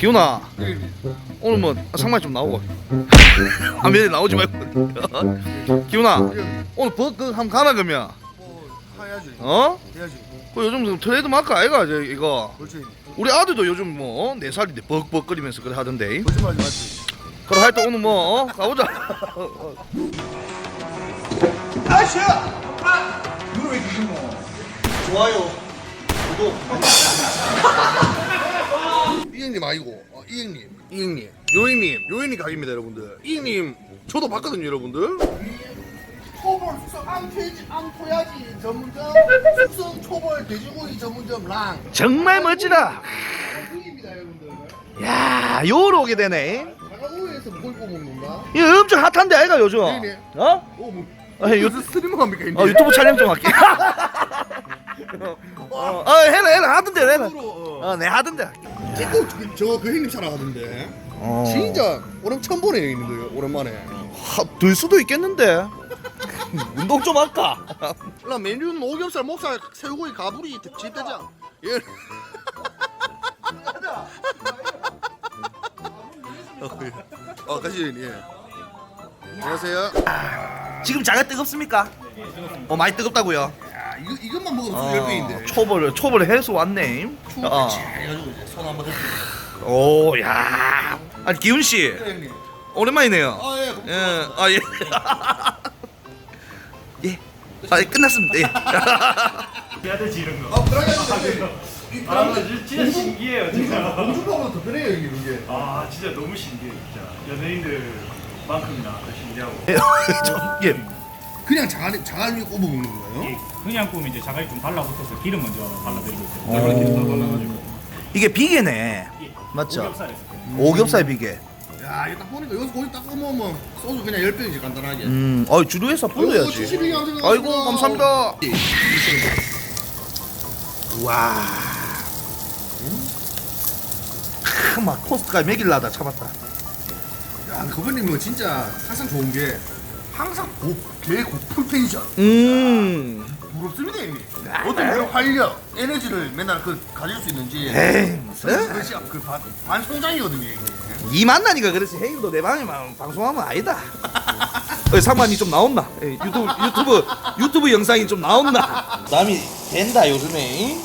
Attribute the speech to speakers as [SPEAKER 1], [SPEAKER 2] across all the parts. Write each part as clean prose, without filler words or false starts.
[SPEAKER 1] 기훈아 오늘 뭐 상말 좀 나오고 화면에 나오지 말고 기훈아 오늘 그 한번 가나 그러면
[SPEAKER 2] 뭐 해야지.
[SPEAKER 1] 어?
[SPEAKER 2] 해야지.
[SPEAKER 1] 그 요즘 트레이드 마크 아이가 이거
[SPEAKER 2] 그렇지.
[SPEAKER 1] 우리 아들도 요즘 뭐 4살인데 벅벅거리면서 그래 하던데
[SPEAKER 2] 거짓말하지 마지.
[SPEAKER 1] 그래 하여튼 오늘 뭐 가보자
[SPEAKER 2] 아시아. 이거 왜 이렇게 뭐? 좋아요. 구독. 이행님 아니고 이행님. 요행님 가게입니다 여러분들. 이행님 저도 봤거든요 여러분들. 초벌 숙성 암토야지 전문점 숙성 초벌 돼지고기 전문점 랑.
[SPEAKER 1] 정말 멋지다
[SPEAKER 2] 입니다 여러분들.
[SPEAKER 1] 야 요로 오게 되네
[SPEAKER 2] 자가우에서 뭘 뽑는 건가?
[SPEAKER 1] 이거 엄청 핫한데 아이가 요즘
[SPEAKER 2] 네네.
[SPEAKER 1] 어?
[SPEAKER 2] 뭐
[SPEAKER 1] 아니,
[SPEAKER 2] 요즘 스트리머 합니까 이제?
[SPEAKER 1] 유튜브 촬영 좀 할게 해라 하던데 해라 내 하던데
[SPEAKER 2] 찍고 저그 형님 촬영하던데. 진짜 오늘 처음 보네 형님들 오랜만에.
[SPEAKER 1] 들 수도 있겠는데 운동 좀 할까?
[SPEAKER 2] 나 메뉴는 오겹살, 목살, 새우고기, 가브리, 집대장. 예. 같이 예. 안녕하세요.
[SPEAKER 1] 지금 장에 뜨겁습니까? 많이 뜨겁다고요?
[SPEAKER 2] 야, 이것만 먹어도 10배인데.
[SPEAKER 1] 초벌을 해서 왔네
[SPEAKER 2] 해가지고 이제 손 한번 대고.
[SPEAKER 1] 오야 아니 기훈씨
[SPEAKER 2] 형님.
[SPEAKER 1] 오랜만이네요
[SPEAKER 2] 아 예.
[SPEAKER 1] 예. 예. 끝났습니다. 예.
[SPEAKER 3] 해야되지 이런 거.
[SPEAKER 2] 그러게
[SPEAKER 3] 진짜 신기해요 진짜.
[SPEAKER 2] 공주보다 더 편해요 형님 이게.
[SPEAKER 3] 아 진짜 너무 신기해 진짜. 연예인들만큼이나 더 신기하고.
[SPEAKER 1] 예.
[SPEAKER 2] 그냥 자갈 위에 꼽아 먹는 거예요?
[SPEAKER 3] 이 그냥 꾸면 이제 자갈이 좀 달라붙어서 기름 먼저 발라드리고 있어요. 얼마나 기름 다 발라가지고.
[SPEAKER 1] 이게 비계네. 맞죠?
[SPEAKER 3] 오겹살에서.
[SPEAKER 1] 오겹살 비계.
[SPEAKER 2] 야 이거 딱 보니까 여기서 고기 딱 꺼먹으면 소주 그냥 10병이지 간단하게.
[SPEAKER 1] 주류에서 불러야지.
[SPEAKER 2] 72개 생각하시고.
[SPEAKER 1] 아이고 감사합니다. 와. 막 토스트가 먹일라다 참았다.
[SPEAKER 2] 야 거부님은 진짜 항상 좋은 게 항상 고풀 텐션. 부럽습니다 형님. 어떤 이런 활력, 에너지를 맨날 가질 수 있는지.
[SPEAKER 1] 에이 무슨?
[SPEAKER 2] 그것이 반송장이거든요 이게.
[SPEAKER 1] 이 만나니까 그렇지. 헤이도 내 방에만 방송하면 아니다. 상만이 좀 나온나? 유튜브 영상이 좀 나온나? 남이 된다 요즘에.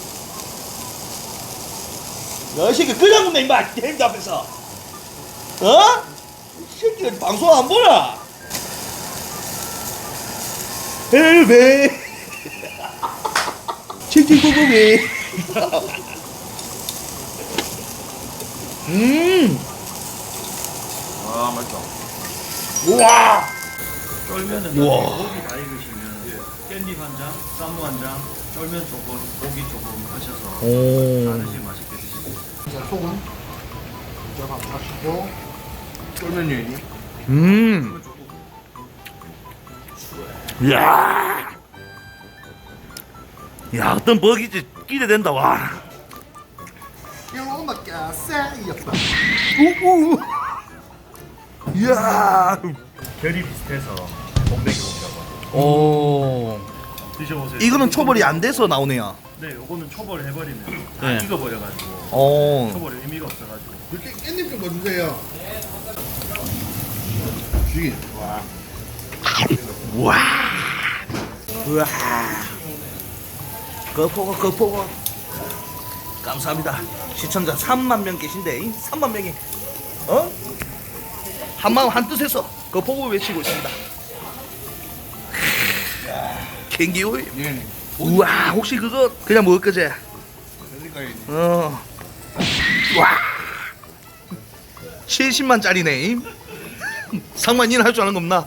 [SPEAKER 1] 너 새끼 그냥 먹네 임마 게임 앞에서. 어? 이 새끼 방송 안 보나? 헬베 칭칭꾸꾸미.
[SPEAKER 2] 아 맛있다.
[SPEAKER 1] 우와.
[SPEAKER 3] 쫄면은
[SPEAKER 1] 우와.
[SPEAKER 3] 고기 다 익으시면 깻잎 한 장, 쌈무 한 장, 쫄면 조금, 고기 조금 하셔서 다 드시면 맛있게 드십니다.
[SPEAKER 2] 자 소금. 제가 마시고 쫄면 여인이.
[SPEAKER 1] 야, 야 어떤 버기지 기대된다 와.
[SPEAKER 2] 이거밖에 쎄이었다.
[SPEAKER 1] 우우. 야.
[SPEAKER 3] 결이 비슷해서 곰배기곰이라고 하고
[SPEAKER 1] 오.
[SPEAKER 3] 드셔보세요.
[SPEAKER 1] 이거는 초벌이 안 돼서 나오네요.
[SPEAKER 3] 네, 요거는 초벌 해버리면 다
[SPEAKER 1] 네.
[SPEAKER 3] 익어버려가지고
[SPEAKER 1] 오.
[SPEAKER 3] 초벌 의미가 없어가지고.
[SPEAKER 2] 그렇게 깻잎 좀 넣어주세요. 죽이. 와.
[SPEAKER 1] 와. 우와. 거포거. 감사합니다. 시청자 3만 명 계신데 3만 명이 한 마음 한 뜻에서 거포고 외치고 있습니다. 갱기호이.
[SPEAKER 2] 예.
[SPEAKER 1] 우와 혹시 그거 그냥 먹을 거지?
[SPEAKER 2] 그러니까
[SPEAKER 1] 와 70만짜리네. 상만이는 할 줄 아는 거 없나?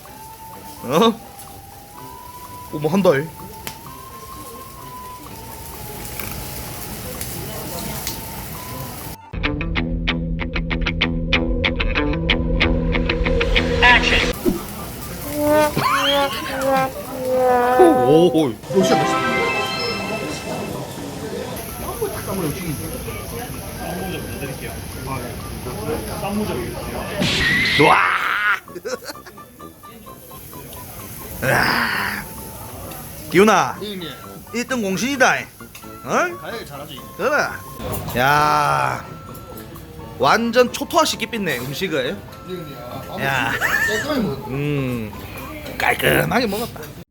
[SPEAKER 1] 뭐 한 달. 오.
[SPEAKER 2] 역시 맛있다.
[SPEAKER 3] 쌈무좀 해드릴게요. 쌈무좀 해드릴게요.
[SPEAKER 1] 와. 기훈아
[SPEAKER 2] 형님
[SPEAKER 1] 1등 공신이다. 어?
[SPEAKER 2] 가야게 잘하지.
[SPEAKER 1] 그래. 야. 완전 초토화시키 삐네 음식을.
[SPEAKER 2] 형님,
[SPEAKER 1] 야.
[SPEAKER 2] 깔끔하게 먹었다.
[SPEAKER 1] 깔끔하게 먹었다.